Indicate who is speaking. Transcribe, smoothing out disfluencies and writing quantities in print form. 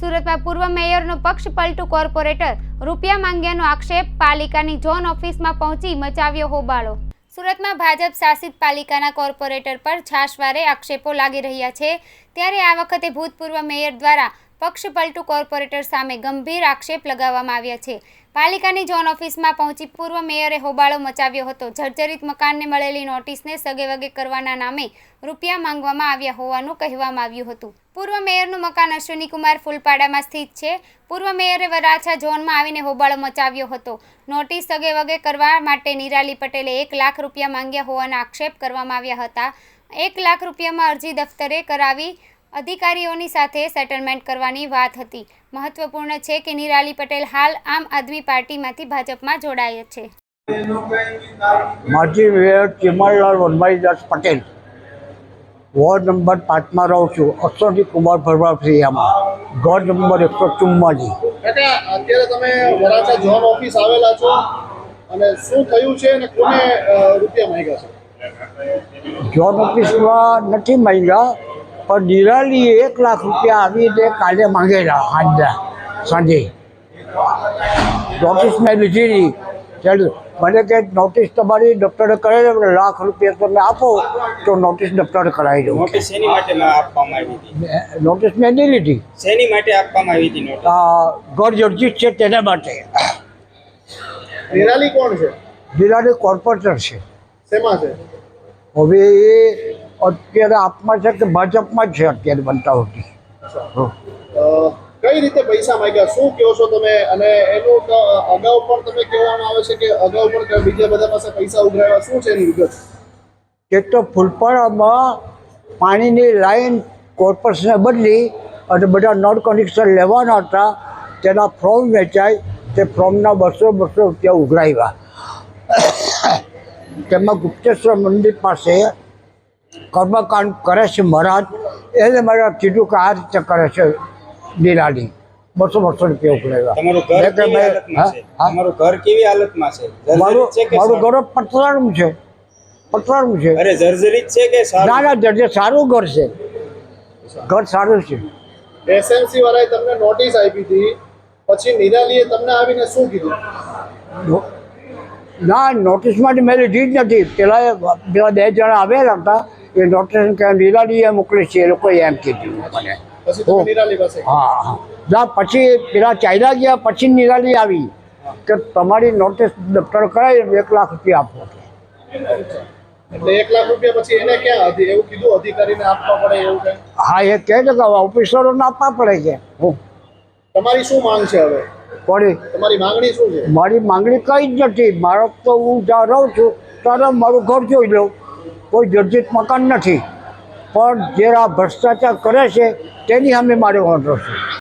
Speaker 1: સુરતમાં પૂર્વ મેયરનો પક્ષ પલટું કોર્પોરેટર રૂપિયા માંગ્યાનો આક્ષેપ, પાલિકાની ઝોન ઓફિસમાં પહોંચી મચાવ્યો હોબાળો। સુરતમાં ભાજપ શાસિત પાલિકાના કોર્પોરેટર પર છાશવારે આક્ષેપો લાગી રહ્યા છે, ત્યારે આ વખતે ભૂતપૂર્વ મેયર દ્વારા પક્ષ પલટું કોર્પોરેટર સામે ગંભીર આક્ષેપ લગાવવામાં આવ્યા છે। પાલિકાની ઝોન ઓફિસમાં પહોંચી પૂર્વ મેયરે હોબાળો મચાવ્યો હતો। જર્જરિત મકાનને મળેલી નોટિસને સગેવગે કરવાના નામે રૂપિયા માંગવામાં આવ્યા હોવાનું કહેવામાં આવ્યું હતું। પૂર્વ મેયરનું મકાન અશ્વિનીકુમાર ફૂલપાડામાં સ્થિત છે। પૂર્વ મેયરે વરાછા ઝોનમાં આવીને હોબાળો મચાવ્યો હતો। નોટિસ સગેવગે કરવા માટે નિરાલી પટેલે 1 લાખ રૂપિયા માંગ્યા હોવાના આક્ષેપ કરવામાં આવ્યા હતા। 1 લાખ રૂપિયામાં અરજી દફતરે કરાવી અધિકારીઓની સાથે સેટલમેન્ટ કરવાની વાત હતી। મહત્વપૂર્ણ છે કે નિરાલી પટેલ હાલ આમ આદમી પાર્ટીમાંથી ભાજપમાં જોડાયા છે।
Speaker 2: માજી mayor Chimanlal Vanmalidas Patel, ward number 5 માં રહું છું, અશ્વિનીકુમાર ફળવાફળિયામાં, ઘર નંબર 144।
Speaker 3: અત્યારે તમે વરાછા ઝોન ઓફિસ આવેલા છો અને શું થયું છે અને કોને રૂપિયા માંગ્યા છે?
Speaker 2: ઝોન ઓફિસમાં નથી માંગ્યા, પણ નિરાલીએ 1 લાખ રૂપિયા આવીને કાલે માંગેલા સાંજે। નોટિસ મેં લીધી નહીં, ચાલો મને કે નોટિસ તમારી દફતરે કરાવી દો, 1 લાખ રૂપિયા તમે આપો તો નોટિસ દફતરે કરાવી દો।
Speaker 4: નોટિસ શેની માટે આપવામાં આવી હતી?
Speaker 2: નોટિસ મેં નહીં લીધી।
Speaker 4: શેની માટે આપવામાં આવી હતી નોટિસ?
Speaker 2: ઘર જર્જિત છે તેના માટે।
Speaker 3: નિરાલી કોણ છે?
Speaker 2: નિરાલી કોર્પોરેટર છે।
Speaker 3: શેમાં છે?
Speaker 2: હવે એ અત્યારે આપમાં છે કે ભાજપમાં જ છે અત્યારે બનતા હોતી।
Speaker 3: કઈ રીતે પૈસા માંગ્યા, શું કહો છો તમે? અને એનું અગાઉ પણ તમે કહેવામાં આવે છે કે અગાઉ પણ બીજા બધા પાસે પૈસા ઉઘરાવ્યા, શું છે એની વિગત?
Speaker 2: એક તો ફૂલપાડામાં પાણીની લાઈન કોર્પોરેશને બદલી અને બધા નળ કનેક્શન લેવાના હતા, તેના ફોર્મ વેચાય, તે ફોર્મના 200 રૂપિયા ઉઘરાવ્યા। તેમાં ગુપ્તેશ્વર મંદિર પાસે કર્મકાંડ કરે છે મહારાજ, એને મારે કીધું કે આ રીતે કરે છે નિરાલી, 200 રૂપિયા ઉઘરાવ્યા।
Speaker 4: તમારું ઘર કેવી હાલતમાં છે?
Speaker 2: મારું ઘર પતરાનું છે, પતરાનું છે।
Speaker 4: અરે જર્જરિત છે કે
Speaker 2: ના ના, જર્જરિત સારું ઘર છે, ઘર સારું છે।
Speaker 3: એસએમસી વાળાએ તમને નોટિસ આપી હતી, પછી નિરાલીએ તમને આવીને શું કીધું?
Speaker 2: ના, નોટિસમાં મેં લીધી જ નથી। પેલા 2 જણા આવેલા હતા, એ નોટિસ કે નિરાલીએ મોકલી છે, એ લોકોએ એમ કીધું મને।
Speaker 3: પછી તમે નિરાલી પાસે?
Speaker 2: હા, ના પછી પેલા ચાલ્યા ગયા, પછી નિરાલી આવી કે તમારી નોટિસ દફતર કરાવી 1 લાખ રૂપિયા આપો।
Speaker 3: એટલે 1 લાખ રૂપિયા પછી એને ક્યાં એવું કીધું અધિકારીને આપવા પડે એવું કંઈ?
Speaker 2: હા, એ કહે છે કે ઓફિસરોને આપવા પડે છે।
Speaker 3: તમારી શું માંગ છે હવે?
Speaker 2: કોની?
Speaker 3: તમારી માંગણી શું છે?
Speaker 2: મારી માંગણી કંઈ જ નથી। મારો તો હું જ્યાં રહું છું ત્યારે મારું ઘર જોઈ લઉં, કોઈ જર્જિત મકાન નથી, પણ જે આ ભ્રષ્ટાચાર કરે છે તેની સામે મારે વાંધો છે।